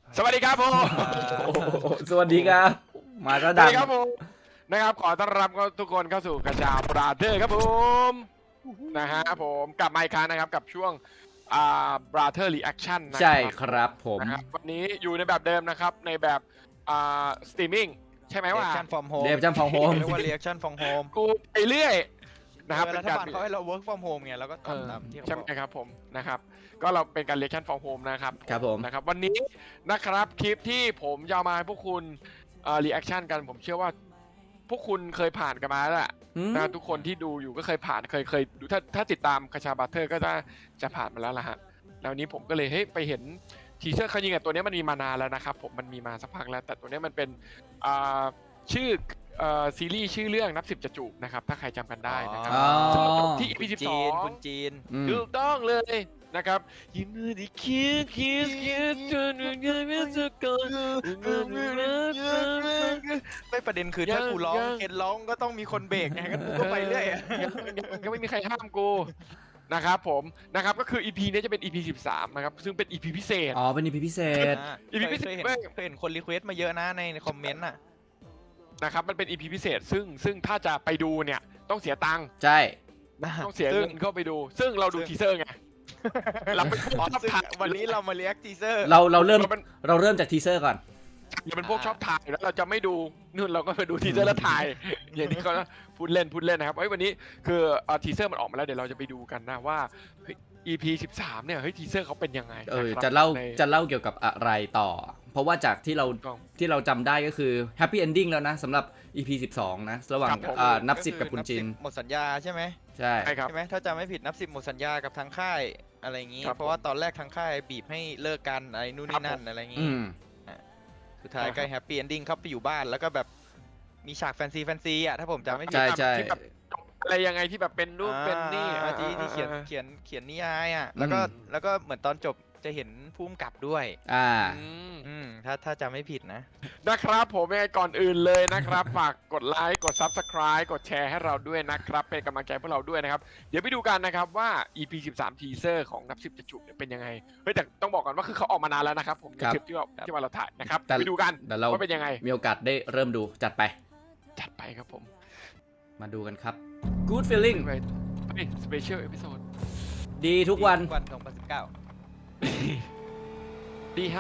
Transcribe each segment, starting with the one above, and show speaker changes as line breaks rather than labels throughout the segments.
สวัสดีครับผม
สวัสดีครับมาก็
สวั
ดั
ส
ง
ดีครับผมนะครับขอต้อนรับทุกคนเข้าสู่กระจาบราเธอร์ครับผมนะฮะผมกลับมาอีกครั้งนะครับกับช่วงบราเธอร์รีแอคชั่นนะ
ใช่
ครับ
ครับผม
นะครับวันนี้อยู่ในแบบเดิมนะครับในแบบสตรีมมิ่งใช่ไหมว่า
reaction from home
เดฟจัมพองโฮม
เรียกว่า reaction from home
กูไปเรื่อยนะครับ
รัฐบาลเขาให้เรา work from home ไงเราก็ทำตามที่เขา
ใช่
บ
ไหม
อก
ครับผมนะครับก็เราเป็นการเรียกชั่นฟอร์โฮมนะครับ
ครับผม
นะครับวันนี้นะครับคลิปที่ผมจะเอามาให้พวกคุณรีแอคชั่นกันผมเชื่อว่าพวกคุณเคยผ่านกันมาแล้วแหละ
อืม
นะทุกคนที่ดูอยู่ก็เคยผ่านเคยดูถ้าติดตามคาชาบัตเตอร์ก็จะผ่านมาแล้วล่ะฮะแล้ววันนี้ผมก็เลยเฮ้ยไปเห็นทีเซอร์เขายิงกับตัวนี้มันมีมานานแล้วนะครับผมมันมีมาสักพักแล้วแต่ตัวนี้มันเป็นชื่อซีรีส์ชื่อเรื่องนับ10จะจูบนะครับถ้าใครจำกันได้นะครับ
อ๋อ
ซึ่งจบที่ EP
จีนคุณ
12
จีน
อืม
ถูกต้องเลยนะครับยิ้มมือดีคิสจนเงยไม่สกอ
ไม่ประเด็นคือถ้ากูร้องเห็นร้องก็ต้องมีคนเบรกไงก็กูก็ไปเรื่อยอะ
ก็ไม่มีใครห้ามกูนะครับผมนะครับก็คือ EP นี้จะเป็น EP 13นะครับซึ่งเป็น EP พิเศษ
อ๋อเป็น EP พิเศษ
EP พิเศษ
เคยเห็นคนรีเควสต์มาเยอะนะในคอมเมนต์อ่ะ
นะครับมันเป็น EP พิเศษซึ่งถ้าจะไปดูเนี่ยต้องเสียตังค์
ใช่
ต้องเสียเงินเข้าไปดู ซึ่งเราดูทีเซอร์ไงเราเป็นพวกชอบ
ซึ่ง
ถ่าย
วันนี้เรามา react teaser
เราเริ่ม
เราเป็น
เราเริ่มจากทีเซอร์ก่อน
เราเป็นพวกชอบถ่ายแล้วเราจะไม่ดูนู่นเราก็ไปดูทีเซอร์แล้วถ่าย อย่างที่เขาพูดเล่นนะครับเฮ้ยวันนี้คือทีเซอร์มันออกมาแล้วเดี๋ยวเราจะไปดูกันนะว่าเฮ้ย EP 13เนี่ยเฮ้ยทีเซอร์เขาเป็นยังไง
จะ
น
เล่า
ใน
จะเล่าเกี่ยวกับอะไรต่อ เพราะว่าจากที่เราจำได้ก็คือแฮปปี้เอนดิ้งแล้วนะสำหรับ EP 12 นะ ระหว่าง
ครับผม
นับ
ก็
สิบ
คือ
กับคุณจิน
บ10หมดสัญญาใช่ไหม
ใช่
ใช่ครับ
ใช่ไหมถ้าจำไม่ผิดนับ10หมดสัญญากับทางค่ายอะไรอย่างงี้
ครับ
เพราะว่าตอนแรกทางค่ายบีบให้เลิกกันอะไรนู่น
ครั
นี่
บ
นั่
ผ
น
ม
อะไรอย่าง
อื
งี้
ม
สุดท้ายก็แฮปปี้เอนดิ้งเข้าไปอยู่บ้านแล้วก็แบบมีฉากแฟนซีอ่ะถ้าผมจำไม่ผิด
ใช่ใช่
ที่แบบอะไรยังไงที่แบบเป็นรูปเป็นนี่
ที่เขียนนิยายอ่ะแล้วก็เหมือนตอนจบจะเห็นภูมิกับด้วย
อ่า
ถ้าจำไม่ผิดนะ
นะครับผมยังไงก่อนอื่นเลยนะครับ ฝากกดไลค์กด Subscribe กดแชร์ให้เราด้วยนะครับเป็นกำลังใจพวกเราด้วยนะครับเดี๋ยวไปดูกันนะครับว่า EP 13 ทีเซอร์ของนับ10จะจูบเนี่ยเป็นยังไงเฮ้ยแต่ต้องบอกก่อนว่าคือเขาออกมานานแล้วนะครับผมใน
ครับ
คลิปที่ว่าเราถ่ายนะครับ
แต่
ไปดูกัน
เดี๋ยวเรา
ว่าเป็นยังไง
มีโอกาสได้เริ่มดูจัดไป
จัดไปครับผม
มาดูกันครับ Good feeling
สเปเชียลเอพิโซด
ดีทุกวัน
วัน2019
ดีครับ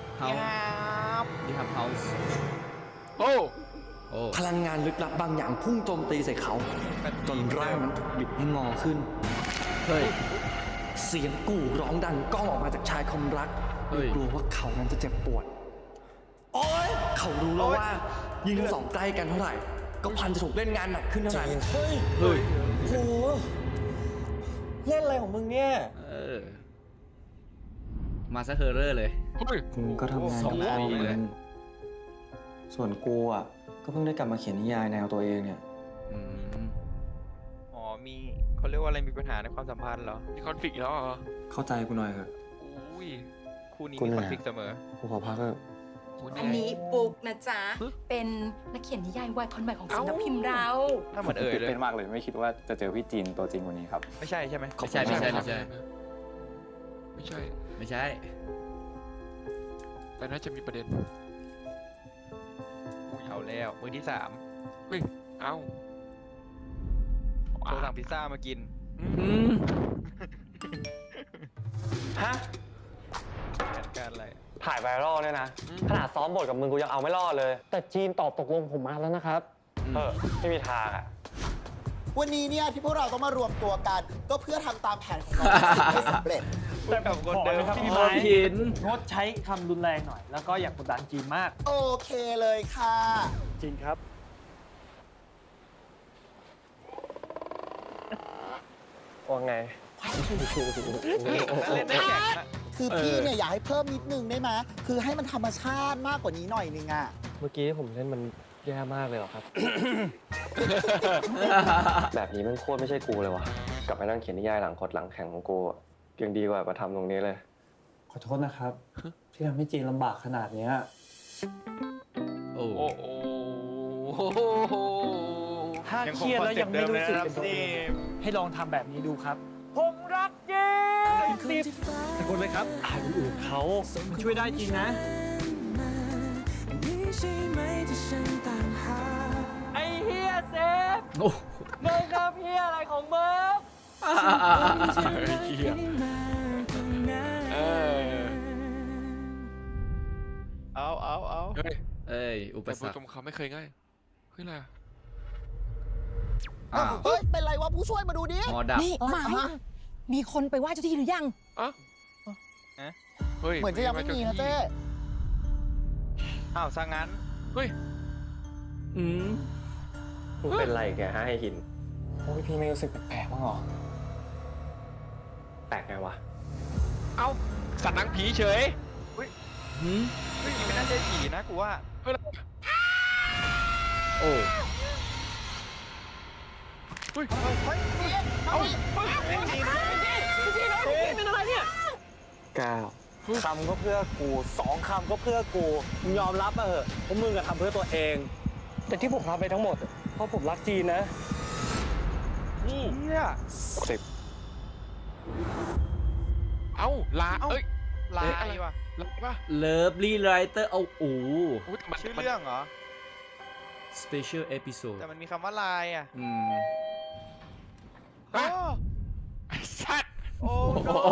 House ดีครับ House
โอ้
โอ้
พลังงานลึกลับบางอย่างพุ่งโจมตีใส่เขาจนร่างนั้นถูกบิดให้งอขึ้น
เฮ้ย
เสียงกู่ร้องดังก้องออกมาจากชายคมรัก
เฮ้ย
กลัวว่าเขานั้นจะเจ็บปวด โอ๊ยเขารู้แล้วว่า ยิ่งทั้งสองใกล้กันเท่าไหร่ ก็พันจะถูกเล่นงานหนักขึ้นเท่านั้นเฮ้ย
เฮ้ย
โหเล่นอะไรของมึงเนี่ย
เออ มาซะเฮอร์เรอร์เลย
เฮ้ย
มึงก็ทำงานกับพ่อ
2 ปีเลย
ส่วนกูอ่ะ ก็เพิ่งได้กลับมาเขียนนิยายแนวตัวเองเนี่ย
อืม
อ๋อมีเขาเรียกว่าอะไรมีปัญหาในความสัมพันธ์เหรอ
มีคอนฟ lict แล้วเหรอ
เข้าใจกูหน่อยเถอะ
อุ้ย
คู่นี้
คุณ
มี
เห
ค
นื่
อ
อย
นฟ lict เสมอ
กูขอพักเถอะ
อันนี้ปุ๊กนะจ๊ะ เป็นนักเขียนนิยายวายคนใหม่ของสำนักพิมพ์เรา
ถ้าเหมือนเอ่ยเลย
ตื่นเต้นมากเลยไม่คิดว่าจะเจอพี่จีนตัวจริงวันนี้ครับ
ไม่ใช่ใช่ไหม
ไม่ใช่ไม่ใช่ไม่ใช่
ไม่ใช่
ไม่ใช่
แต่น่าจะมีประเด็น
เอาแล้วมือที่ 3
เอ้า
โทรสั่งพิซซ่ามากิน
อืม
ฮะ
การอะไร
ถ่ายไวรัลเนี่ยนะ ขนาดซ้อมบทกับมึงกูยังเอาไม่รอดเลย
แต่จีนตอบตกลงผมมาแล้วนะครับ
ไม่มีทางอ่ะ
วันนี้เนี่ยที่พวกเราต้องมารวมตัวกัน ก็เพื่อทำตามแผนของเราให้สำเร็จ
แต่กับคนเดิม
ขอเลยครับ
ที่
พี่
มา
ไม้
หิน
งดใช้คำรุนแรงหน่อย แล้วก็อย่ากกดดันจีนมาก
โอเคเลยค่ะ
จีนครับ
ว่าไง
เล่นได้แข็งนะ
คือพี่เนี่ยอยากให้เพิ่มนิดนึงได้ไหมคือให้มันธรรมชาติมากกว่านี้หน่อยนึงอ่ะ
เมื่อกี้ผมเล่นมันแย่มากเลยเหรอครับ แบบนี้มันโคตรไม่ใช่กูเลยวะกลับไปนั่งเขียนนิยายหลังคดหลังแข่งของกูอะยังดีกว่ามาทำตรงนี้เลย
ขอโทษนะครับ ที่ทำให้จีนลำบากขนาดเนี้ย
โอ้
โอ้โห
ถ้าเครียดแล้วยังไม่รู้สึกเป็นตัวเองให้ลองทำแบบนี้ดูครับ ผมรักจีน10แต่คนเลยครับอ่านคนอื่นเขามันช่วยได้จริงนะไอ้เฮียเซฟ
โอ้
มึงครับเฮียอะไรของมึง
เหี้ยเออ
เอา
เฮ้ย
เอ้ยอุป
แต่
สรรค
ตรงเขาไม่เคยง่ายเฮ้ยอะไรอะ
อ้าว
เฮ้ย เป็นไรวะผู้ช่วยมาดูดิ
หอดับ
นี่หมายมีคนไปไหว้เจ้าที่หรือยัง
อ่ะเฮ้ย
เหมือนจะยังไม่มีนะเจ้
อ้าวซะงั้น
เฮ้ย
อืม
มึงเป็นไรแกฮะไอ้หิน
โอ้ยพี่ไม่รู้สึกแปลกๆบ้างเหรอ
แปลกไงวะ
เอ้าสัตว์หนังผีเฉย
หืม
เฮ้ยไม่น่าใช่ผีนะกูว่า
เฮ้ย
โอ้
เฮ้ย
เฮ้ยเจี๊ยบเอาดิ
เป็นอะไรเนี่ย
ก้าวคำก็เพื่อกู2 คำก็เพื่อกูมึงยอมรับมาเถอะว่ามึงอะทำเพื่อตัวเอง แต่ที่ผมทำไปทั้งหมด เพราะผมรักจีนนะ
เฮีย
เอ้าลา
เอ้า
เอ้ย
ลา
เอ๊ะ
ย
อะไร
ว่ะ
ลาปะ
เลิฟลี่ไรเตอร์เอาโอ้
อุ๊ยแต่มัน
ชื่อเรื่องเหรอ
special episode
แต่มันมีคำว่าลายอ่ะ
อืม
โอ้
ไอ้สัตว์
โอ้
โอ้
no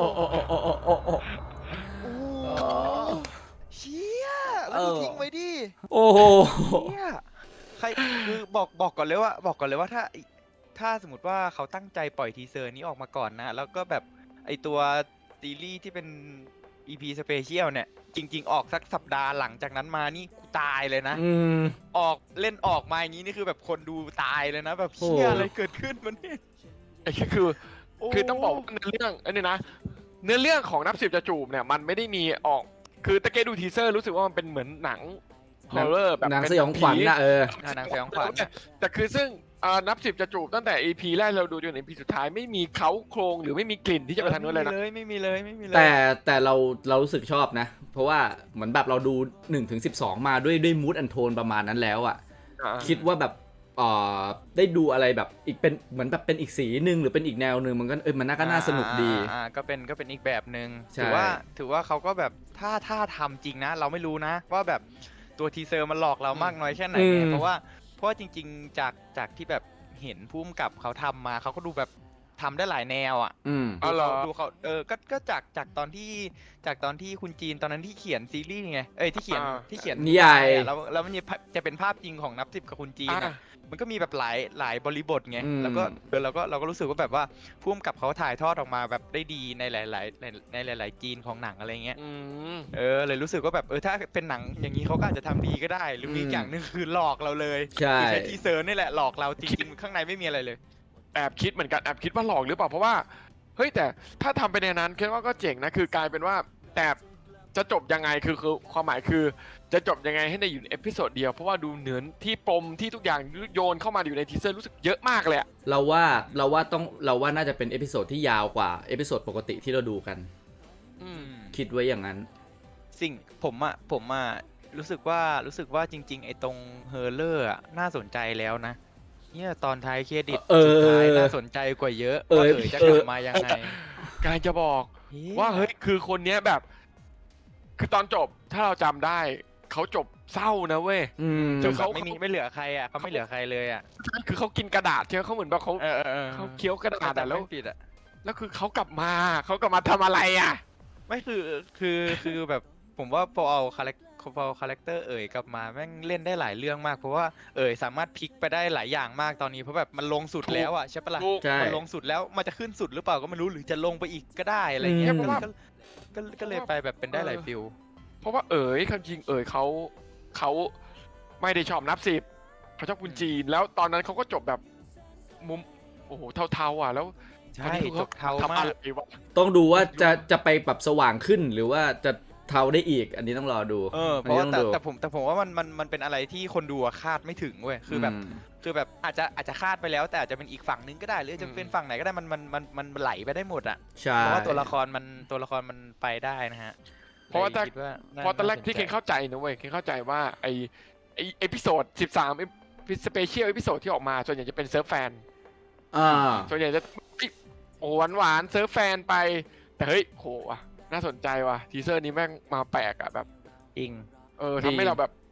โอ้
เชี่ยแล้วมึงทิ้งไว้ดิ
โอ้โห
เนี่ยใครคือบอกก่อนเลยว่าถ้าสมมติว่าเขาตั้งใจปล่อยทีเซอร์นี้ออกมาก่อนนะ แล้วก็แบบไอตัวซีรีส์ที่เป็น EP Special เนี่ย จริง ๆ ออกสักสัปดาห์หลังจากนั้นมานี่กูตายเลยนะ
อืม
ออกมาอย่างนี้นี่คือแบบคนดูตายเลยนะ แบบ
โอ้
เชี่ยอะไรเกิดขึ้นมันนี่
ไอ้คือต้องบอกว่าเนื้อเรื่องอันนี้นะเนื้อเรื่องของนับสิบจะจูบเนี่ยมันไม่ได้มีออกคือตะเกียดูทีเซอร์รู้สึกว่ามันเป็นเหมือนหนังฮอร์เรอร์แบบ
หนัง
เป็
สยองขวัญนะเออ
หนังสยองขวัญ
แต่คือซึ่งนับสิบจะจูบตั้งแต่ EP แรกเราดูจนถึง EP สุดท้ายไม่มีเขาโครงหรือไม่มีกลิ่นที่จะไปทางนู้นเลยนะ
ไม่มีเลย
แต่เรารู้สึกชอบนะ เพราะว่าเหมือนแบบเราดู1 ถึง 12 มาด้วยมูดแอนโทนประมาณนั้นแล้วอ่ะ คิดว่าแบบได้ดูอะไรแบบอีกเป็นเหมือนแบบเป็นอีกสีหนึ่งหรือเป็นอีกแนวหนึ่งมันก็มันน่าสนุกดี
ก็เป็นอีกแบบหนึ่ง
ใช่
ถือว่าเขาก็แบบถ้าทำจริงนะ เราไม่รู้นะ ว่าแบบตัวทีเซอร์มันหลอกเรามากน้อยแค่ไหนไงเพราะว่าจริงๆจากที่แบบเห็นพุ่มกับเขาทำมาเขาก็ดูแบบทำได้หลายแนวอ่ะ
อืม
อ๋อเหรอ
ดูเขาก็จากตอนที่คุณจีนตอนนั้นที่เขียนซีรีส์ไงที่เขียน
นิยาย
อะแล้วมันจะเป็นภาพจริงของนับสิบกับคุณจีนอะมันก็มีแบบหลายบริบทไง
อืม
แล้วก็เราก็รู้สึกว่าแบบว่าพุ่มกับเขาถ่ายทอดออกมาแบบได้ดีในหลายจีนของหนังอะไรเงี้ย
อืม
เลยรู้สึกว่าแบบถ้าเป็นหนังอย่างนี้เขาก็อาจจะทำดีก็ได้ หรือมีอีกอย่างหนึงคือหลอกเราเลย
ใช่
คือใช้ทีเซอร์นี่แหละหลอกเราจริงๆข้างในไม่มีอะไรเลย
แอบคิดเหมือนกันแอบคิดว่าหลอกหรือเปล่าเพราะว่าเฮ้ยแต่ถ้าทำไปในนั้นคิดว่าก็เจ๋งนะคือกลายเป็นว่าแต่จะจบยังไงคือความหมายคือจะจบยังไงให้ในอยู่ในเอพิโซดเดียวเพราะว่าดูเหนือนที่ปมที่ทุกอย่างโยนเข้ามาอยู่ในทีเซอร์รู้สึกเยอะมากเลยอะ
เราว่าน่าจะเป็นเอพิโซดที่ยาวกว่าเอพิโซดปกติที่เราดูกัน
อืม
คิดไว้อย่างนั้น
ผมรู้สึกว่าจริงๆไอ้ตรงเฮอร์เลอร์น่าสนใจแล้วนะเนี่ยตอนท้ายเครดิต
เออ
สุดท้ายน่าสนใจกว่าเยอะว่าจะกลับมายังไง
กายจะบอกว่าเฮ้ยคือคนเนี้ยแบบ คือตอนจบถ้าเราจำได้เขาจบเศร้านะเว้ย
อืม
จน
เขาไม่เหลือใครอ่ะเขาไม่เหลือใครเลยอ่ะ
คือเขากินกระดาษใช่ไหมเขาเหมือนแบบเขา เขาเคี้ยวกระดาษอะแล้ว
ปิดอ่ะ
แล้วคือเขากลับมาทำอะไรอ่ะ
ไม่คือแบบผมว่าพอเอาคาแรคเตอร์กลับมาแม่งเล่นได้หลายเรื่องมากเพราะว่าสามารถพลิกไปได้หลายอย่างมากตอนนี้เพราะแบบมันลงสุดแล้วอ่ะใช่ปะล่ะ
ถูก
ใช่
มันลงสุดแล้วมันจะขึ้นสุดหรือเปล่าก็ไม่รู้หรือจะลงไปอีกก็ได้อะไรเงี้ย
อืม
ก็เลยไปแบบเป็นได้หลายฟิล
เพราะว่าคำจริงเขาไม่ได้ชอบนับสิบเขาชอบคุณจีนแล้วตอนนั้นเขาก็จบแบบมุมโอ้โหเทาๆอ่ะแล้ว
ใช่
ตอนนี้คือ
จบเทา
ทำ
มา
อะ
ก
ไรวะ
ต้องดูว่าจะไปแบบสว่างขึ้นหรือว่าจะเทาได้อีก อันนี้ต้องรอดู
เพราะว่า
อันนี้ต้องดู
แต่ผมว่ามันเป็นอะไรที่คนดูอะคาดไม่ถึงเว้ยคือแบบอาจจะคาดไปแล้วแต่อาจจะเป็นอีกฝั่งนึงก็ได้หรือจะเป็นฝั่งไหนก็ได้มันไหลไปได้หมดอ่ะ
ใช่
เพราะว่าตัวละครมันไปได้นะฮะ
เพราะว่า
เลยคิดว่า
เพราะตอนแรกที่
าส
เคนเข้าใจนะเว้ยเคนเข้าใจว่าไอเอพิโซด13สเปเชียลเอพิโซดที่ออกมาส่วนใหญ่จะเป็นเซิร์ฟแฟน
อ่า
ส่วนใหญ่จะโอ้หวานเซิร์ฟแฟนไปแต่เฮ้ยโหว่ะน่าสนใจว่ะทีเซอร์นี้แม่งมาแปลกอะแบบ
จริง
ทำให้เราแบบ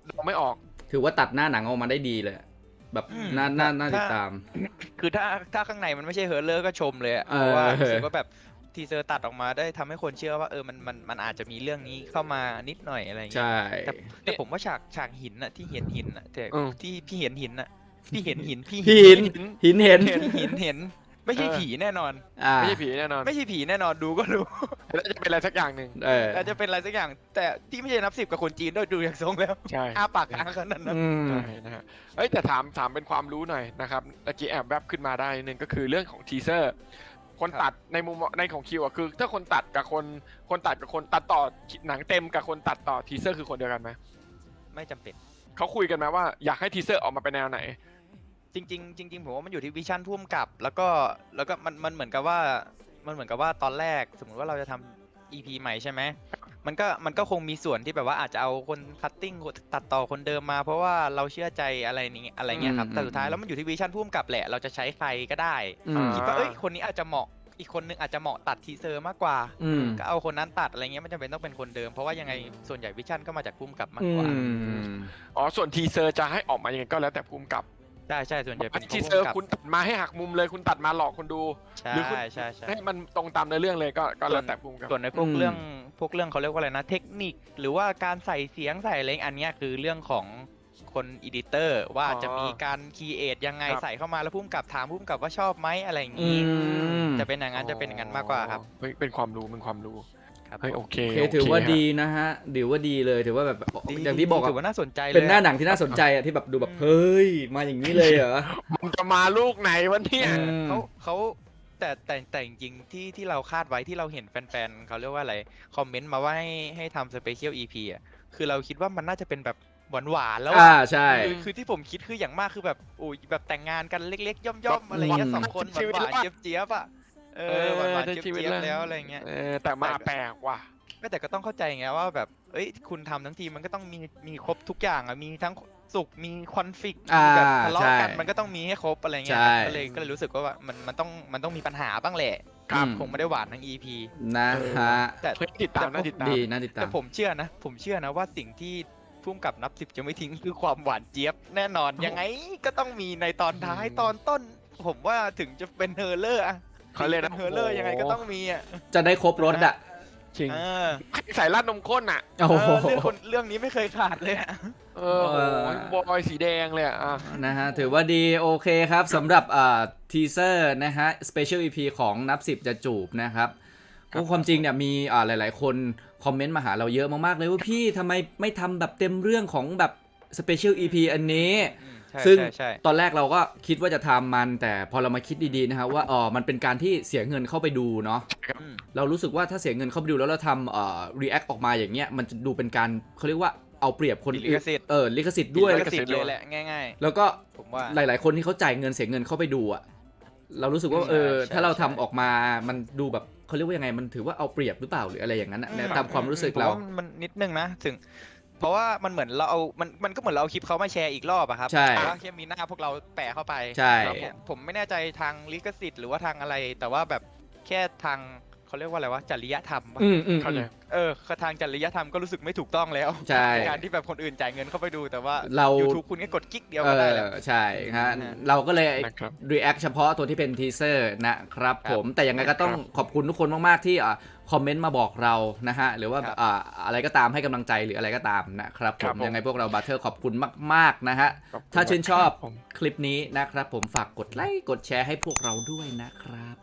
เราไม่ออก
ถือว่าตัดหน้าหนังออกมาได้ดีเลย แบบน่าติดตาม
คือถ้าข้างในมันไม่ใช่เฮอร์เลอร์ก็ชมเลยอะ
เออ
เพราะว่ารู้สึกว่าแบบทีเซอร์ตัดออกมาได้ทำให้คนเชื่อว่ามันอาจจะมีเรื่องนี้เข้ามานิดหน่อยอะไรอย่างเงี้ย
ใช่
แต่ผมว่าฉากหินอะที่เห็นหินอะแต่
อืม
ที่พี่เห็นหินอะพี่เห็นหิน
พี่หินเห็น
เห็นไม่ใช่ผีแน่นอน
ไม่ใช่ผีแน่นอน
ไม่ใช่ผีแน่นอนดูก็รู้
แล้วจะเป็นอะไรสักอย่างหนึ่ง
อาจจะเป็นอะไรสักอย่าง แต่ที่ไม่ใช่นับ 10กับคนจีนด้วยดูอย่างทรงแล้ว
ใช่
อ้าปากค้างขนาดนั้น
ใช่นะฮะเอ้ยแต่ถามเป็นความรู้หน่อยนะครับตะกี้แอบแวบขึ้นมาได้นึงก็คือเรื่องของทีเซอร์ คนตัดในมุมในของคิวอะคือ ถ้าคนตัดกับคนตัดกับคนตัดต่อหนังเต็มกับคนตัดต่อทีเซอร์คือคนเดียวกันไหม
ไม่จำเป็น
เขาคุยกันไหมว่าอยากให้ทีเซอร์ออกมาเป็นแนวไหน
จริงผมว่ามันอยู่ที่วิชั่นพุ่มกับแล้วก็มันเหมือนกับว่าตอนแรกสมมุติว่าเราจะทำ EP ใหม่ใช่ไหมมันก็คงมีส่วนที่แบบว่าอาจจะเอาคนคัตติ้งตัดต่อคนเดิมมา เพราะว่าเราเชื่อใจอะไรนี้อะไรเงี้ยครับแต่สุดท้ายแล้วมันอยู่ที่วิชั่นพุ่มกับแหละเราจะใช้ใครก็ได้ คิดว่าคนนี้อาจจะเหมาะอีกคนนึงอาจจะเหมาะตัดทีเซอร์มากกว่าก็เอาคนนั้นตัดอะไรเงี้ยมันจำเป็นต้องเป็นคนเดิมเพราะว่ายังไงส่วนใหญ่วิชั่นก็มาจากพุ่มกับมากกว่า
อ๋อส่วนทีเซอร์จะให้ออกมายังไงก็แล้วแต่ภูมิกับ
ใช่ส่วนใหญ่เป็น
ทีเซอร์คุณตัดมาให้หักมุมเลยคุณตัดมาหลอกคนดู
ใช่
หรือคุณ
ใช่
ให้มันตรงตามในเรื่องเลยก็แล้วแต่ภูมิกับ
ส่วนในพวกเรื่องเขาเรียกว่าอะไรนะเทคนิคหรือว่าการใส่เสียงใส่อะไรอันเนี้ยคือเรื่องของคนอีดิเตอร์ว่าจะมีการคีเอทยังไงใส่เข้ามาแล้วพุ่มกับถามพุ่มกับว่าชอบไหมอะไรอย่างนี้จะเป็นอย่างนั้นมากกว่าครับ
เฮ้ยเป็นความรู้เฮ้ยโอเค
ถือว่าดีนะฮะถือว่าดีเลยถือว่าแบบอย่างที่บอก
ถือว่าน่าสนใจเลย
เป็นหน้าหนังที่น่าสนใจอะที่แบบดูแบบเฮ้ยมาอย่างนี้เลยเหรอ
มันจะมาลูกไหนวะเนี่ย
เขาแต่จริงๆที่เราคาดไว้ที่เราเห็นแฟนๆเขาเรียกว่าอะไรคอมเมนต์มาว่าให้ทำสเปเชียล EP อ่ะคือเราคิดว่ามันน่าจะเป็นแบบหวานๆแล้ว
ใช่
คือที่ผมคิดคืออย่างมากคือแบบโอ้ยแบบแต่งงานกันเล็กๆย่อมๆอะไรเงี้ย2 คนหวานๆเจี๊ยบๆอ่ะหวานๆเจี๊ยบๆแล้วอะไรเงี้ย
แต่มาแปลกว่ะ
แต่ก็ต้องเข้าใจไงว่าแบบคุณทำทั้งทีมันก็ต้องมีครบทุกอย่างอ่ะมีทั้งสุขมีคอนฟ lict แบบทะเลาะกันมันก็ต้องมีให้ครบอะไรเงี้ยก็เลยรู้สึกว่ามันต้องมีปัญหาบ้างแหละคงไม่ได้หวานทั้ง EP
นะฮะ
แต่
ติดตามน่าติดตาม
ดีน่าติดตาม
แต่ผมเชื่อนะว่าสิ่งที่พุ่มกับนับ 10จะไม่ทิ้งคือความหวานเจี๊ยบแน่นอนยังไงก็ต้องมีในตอนท้ายตอนต้น ผมว่าถึงจะเป็นเฮอร์เลอร์อะ
เขาเล่น
เฮอร์เลอร์ยังไงก็ต้องมีอ่ะ
จะได้ครบรถอ่ะ
จริงใส่ราดนมข้นอ่ะ
โอ้โห
เรื่องนี้ไม่เคยขาดเลยอ่ะ
บอยสีแดงเลยอ่ะ
นะฮะถือว่าดีโอเคครับสำหรับทีเซอร์นะฮะ Special EP ของนับ 10จะจูบนะครับความจริงเนี่ยมีหลายๆคนคอมเมนต์มาหาเราเยอะมากๆเลยว่าพี่ทำไมไม่ทำแบบเต็มเรื่องของแบบ Special EP อันนี้ซึ่งตอนแรกเราก็คิดว่าจะทำมันแต่พอเรามาคิดดีๆนะครับว่ามันเป็นการที่เสียเงินเข้าไปดูเนาะเรารู้สึกว่าถ้าเสียเงินเข้าไปดูแล้วเราทำreact ออกมาอย่างเงี้ยมันจะดูเป็นการเขาเรียกว่าเอาเปรียบคนอื่นลิขสิทธิ์ด้วย
ลิขสิทธิ์เลยแหละง่ายๆ
แล้วก็
ผมว่า
หลายๆคนที่เขาจ่ายเงินเสียเงินเข้าไปดูอ่ะเรารู้สึกว่าถ้าเราทำออกมามันดูแบบเขาเรียกว่ายังไงมันถือว่าเอาเปรียบหรือเปล่าหรืออะไรอย่างนั้นนะตามความรู้สึกเรา
มันนิดนึงนะถึงเพราะว่ามันเหมือนเราเอามันก็เหมือนเราเอาคลิปเขามาแชร์อีกรอบอะครับ
ใช่
ว่าแค่มีหน้าพวกเราแปะเข้าไป
ใช่
ผมไม่แน่ใจทางลิขสิทธิ์หรือว่าทางอะไรแต่ว่าแบบแค่ทางเขาเรียกว่าอะไรวะจริยธรรม
เข้าใจ
ทางจริยธรรมก็รู้สึกไม่ถูกต้องแล้ว
ใช่
การที่แบบคนอื่นจ่ายเงินเข้าไปดูแต่ว่า
เรา
YouTube คุณก็กดกิ๊กเดียวก็ได้แล้ว
ใช่ฮะเราก็เลย react เฉพาะตัวที่เป็นทีเซอร์นะครับผมแต่ยังไงก็ต้องขอบคุณทุกคนมากๆที่คอมเมนต์มาบอกเรานะฮะหรือว่าอะไรก็ตามให้กำลังใจหรืออะไรก็ตามนะครับผมยังไงพวกเราบัตเทอร์ขอบคุณมากๆนะฮะถ้าชื่นชอบคลิปนี้นะครับผมฝากกดไลค์กดแชร์ให้พวกเราด้วยนะครับ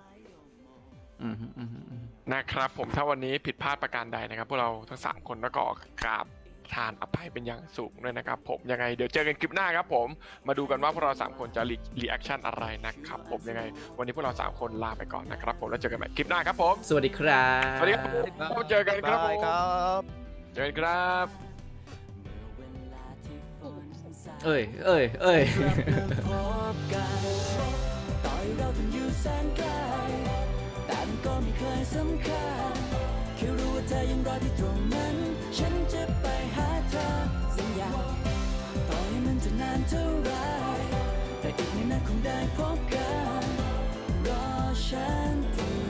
นะครับผมถ้าวันนี้ผิดพลาดประการใดนะครับพวกเราทั้ง3คนแล้วก็กราบทานอภัยเป็นอย่างสูงด้วยนะครับผมยังไงเดี๋ยวเจอกันคลิปหน้าครับผมมาดูกันว่าพวกเรา3คนจะรีแอคชั่นอะไรนะครับผมยังไงวันนี้พวกเรา3คนลาไปก่อนนะครับผมแล้วเจอกันใหม่คลิปหน้าครับผม
สวัสดีครับ
สวัสดีครับเจอกันครับผมเจอกันครับ
เอ้ย
แต่ก็ไม่เคยสำคัญแค่รู้ว่าเธอยังรอที่ตรงนั้นฉันจะไปหาเธอสัญญาต่อให้มันจะนานเท่าไรแต่อีกไม่นานคงได้พบกันรอฉันที่